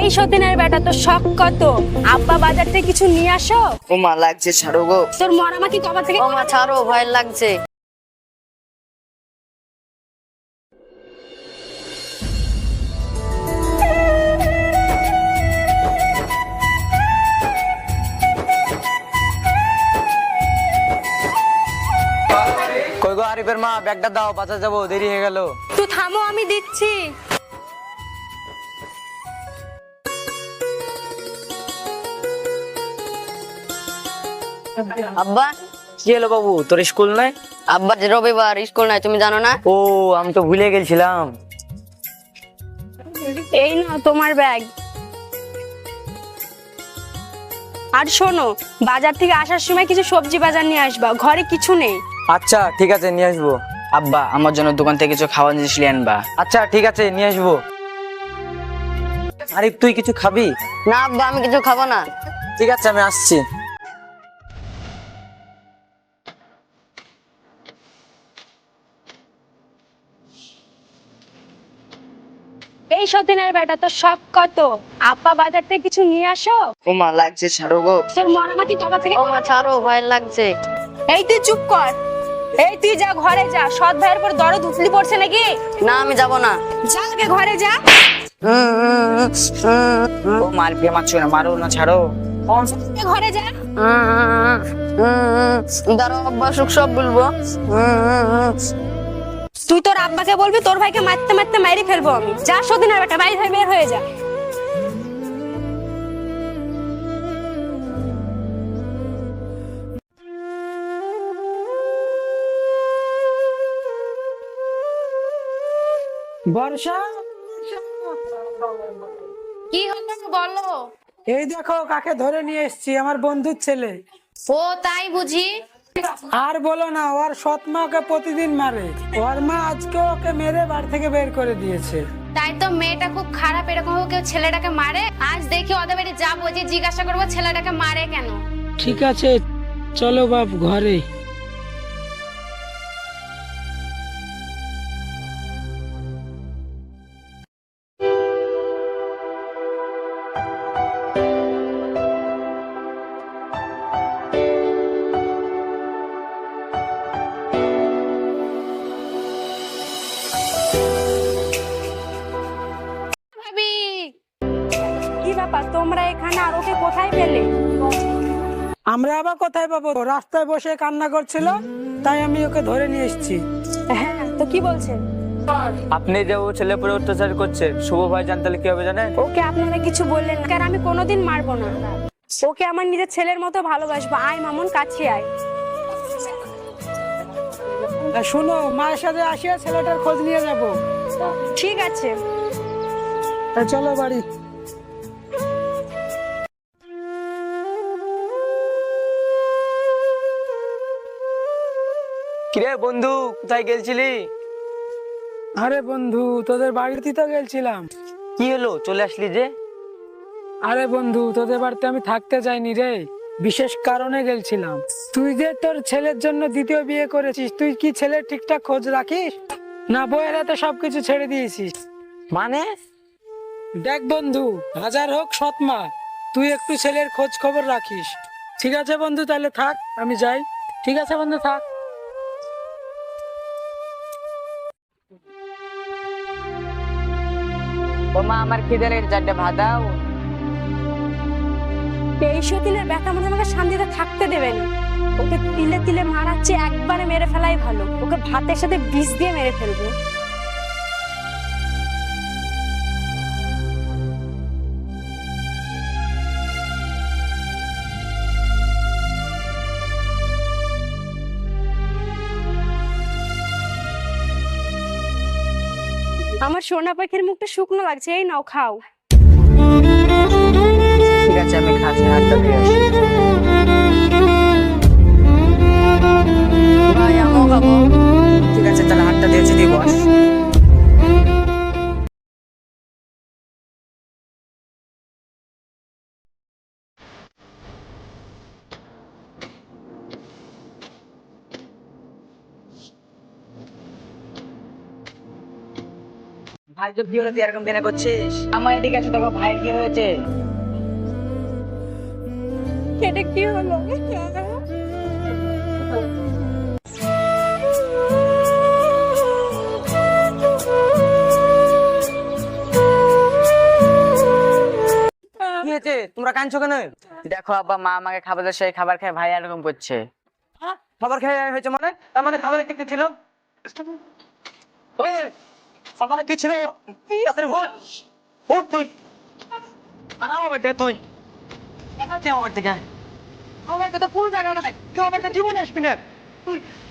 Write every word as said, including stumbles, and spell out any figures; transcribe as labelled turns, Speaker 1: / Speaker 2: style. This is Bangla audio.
Speaker 1: এই সতীনের বেটা তো শখ কত, আব্বা বাজার থেকে কিছু নিয়ে আসো।
Speaker 2: ও মা লাগছে, ছাড়ো গো।
Speaker 1: তোর মরামাকি কবা থেকে?
Speaker 3: ও মা ছাড়ো, ভয় লাগছে।
Speaker 4: কই গো আরিফের মা, ব্যাগটা দাও, বাজার যাবো, দেরি হয়ে গেল।
Speaker 1: তুই থামো, আমি দিচ্ছি।
Speaker 3: আব্বা,
Speaker 4: কি হলো বাবু, তোর স্কুল নাই?
Speaker 3: আব্বা যে রবিবার স্কুল নাই, তুমি জানো না?
Speaker 4: ও, আমি তো ভুলে গেছিলাম।
Speaker 1: এই নাও তোমার ব্যাগ। আর শোনো, বাজার থেকে আসার সময় কিছু সবজি বাজার নিয়ে আসবা, ঘরে কিছু নেই।
Speaker 4: আচ্ছা ঠিক আছে, নিয়ে আসবো।
Speaker 2: আব্বা, আমার জন্য দোকান থেকে কিছু খাওয়ার জিনিস নিয়ে আনবা।
Speaker 4: আচ্ছা ঠিক আছে, নিয়ে আসবো। আরিফ, তুই কিছু খাবি?
Speaker 3: না আব্বা, আমি কিছু খাবো না।
Speaker 4: ঠিক আছে, আমি আসছি।
Speaker 1: এই সতীনের বেটা তো শখ কত, আব্বা বাজার থেকে কিছু নিয়ে আসো।
Speaker 2: ও মা লাগছে, ছাড়ো গো।
Speaker 1: তোর মরামাকি কবা থেকে?
Speaker 3: ও মা ছাড়ো, ভয় লাগছে।
Speaker 1: এই তুই চুপ কর। এই তুই যা, ঘরে যা। সৎ ভাইয়ের পর দরদ উতলি পড়ছে নাকি?
Speaker 3: না, আমি যাব না।
Speaker 1: যা, আগে ঘরে যা।
Speaker 2: ও মার বিয়ে মারছো না, মারো না, ছাড়ো।
Speaker 1: আগে ঘরে যা।
Speaker 3: দাঁড়াও আব্বা, সুখ সব বলবো।
Speaker 1: তুই তোর আব্বাকে বলবি, তোর ভাইকে মারতে মারতে মারি ফেলবো আমি। যা সতীনের বেটা, বাইরে হয়ে বের হয়ে যা।
Speaker 5: বর্ষা,
Speaker 6: কি হলো বলো।
Speaker 5: এই দেখো কাকে ধরে নিয়ে এসেছি, আমার বন্ধুর ছেলে।
Speaker 6: ও তাই বুঝি।
Speaker 5: আর বলো না, ওর সৎ মা ওকে প্রতিদিন মারে। ওর মা আজকে ওকে মেরে বাড়ি থেকে বের করে দিয়েছে।
Speaker 6: তাই তো, মেয়েটা খুব খারাপ। এরকম ভাবে কেউ ছেলেটাকে মারে? আজ দেখি ওদের বাড়ি যাবো, যে জিজ্ঞাসা করবো ছেলেটাকে মারে কেন।
Speaker 5: ঠিক আছে, চলো বাপ ঘরে।
Speaker 6: ভাবি,
Speaker 1: কি ব্যাপার তোমরা এখানে, আর ওকে কোথায় পেলে?
Speaker 5: আমরা আবার কোথায় পাবো? রাস্তায় বসে কান্না করছিল, তাই আমি ওকে ধরে নিয়ে এসেছি।
Speaker 1: হ্যাঁ, তো কি বলছেন?
Speaker 4: আপনি যে ও ছেলে পরে অত্যাচার করছে, শুভ ভাই জানতে হলে কি হবে জানেন?
Speaker 1: ওকে আপনারা কিছু বললেন না, কারণ আমি কোনোদিন মারবো না। ওকে আমার নিজের ছেলের মতো ভালোবাসবো। আয় মামুন, কাছে আয়।
Speaker 5: আর শোনো, মায়ের সাথে আসিয়া ছেলেটার খোঁজ নিয়ে যাবো।
Speaker 1: ঠিক আছে।
Speaker 5: তা চলো বাড়ি।
Speaker 4: কিরে বন্ধু, কোথায় গেছিলি?
Speaker 5: আরে বন্ধু, তোদের বাড়িতে তো গেছিলাম।
Speaker 4: কি হলো, চলে আসলি যে?
Speaker 5: আরে বন্ধু, তোদের বাড়িতে আমি থাকতে চাইনি রে, বিশেষ কারণে গেছিলাম। তুই যে তোর ছেলের জন্য দ্বিতীয় বিয়ে করেছিস, তুই কি ছেলের ঠিকঠাক খোঁজ রাখিস না? বইয়ের হাতে সবকিছু ছেড়ে দিয়েছিস?
Speaker 4: মানে?
Speaker 5: দেখ বন্ধু, হাজার হোক সৎ মা, তুই একটু ছেলের খোঁজ খবর রাখিস। ঠিক আছে বন্ধু, তাহলে থাক, আমি যাই। ঠিক আছে বন্ধু, থাক।
Speaker 2: ও মা, আমার খিদে লেগেছে, চারটে ভাত দাও।
Speaker 1: এই সতীনের ব্যাটা মনে হয় আমাকে শান্তিতে থাকতে দেবে না। ওকে তিলে তিলে মারাচ্ছে, একবারে মেরে ফেলাই ভালো। ওকে ভাতের সাথে বিষ দিয়ে মেরে ফেলবো। আমার সোনা পাখির মুখটা শুকনো লাগছে, এই নাও খাও।
Speaker 2: ঠিক আছে, আমি খাচ্ছি, হাতটা দিয়ে আসি।
Speaker 3: ভাই, আমিও খাবো।
Speaker 2: ঠিক আছে, তাহলে হাতটা দিয়েছি, দিয়ে বস। আজ তো কি হলো তুই এরকম বেনা করছিস? আমার এদিকে আছে দেখো ভাইয়ের কি হয়েছে।
Speaker 1: এটা কি হলো?
Speaker 4: কি হয়েছে তোমরা কাঁদছো কেন?
Speaker 2: দেখো আব্বা, মা আমাকে খাবার দেয়, সেই খাবার খেয়ে ভাই এরকম করছে।
Speaker 4: খাবার খেয়ে হয়েছে মানে? তার মানে খাবার দেখতে ছিল? ওই, সকালে কি ছিল? এই রাতের ভোর। ওঠ তুই। আনাও বেটে তুই। এখানে আমার থেকে। আমার কথা পুরো জায়গা নাই। তুই আমার জীবনে আসবি না। তুই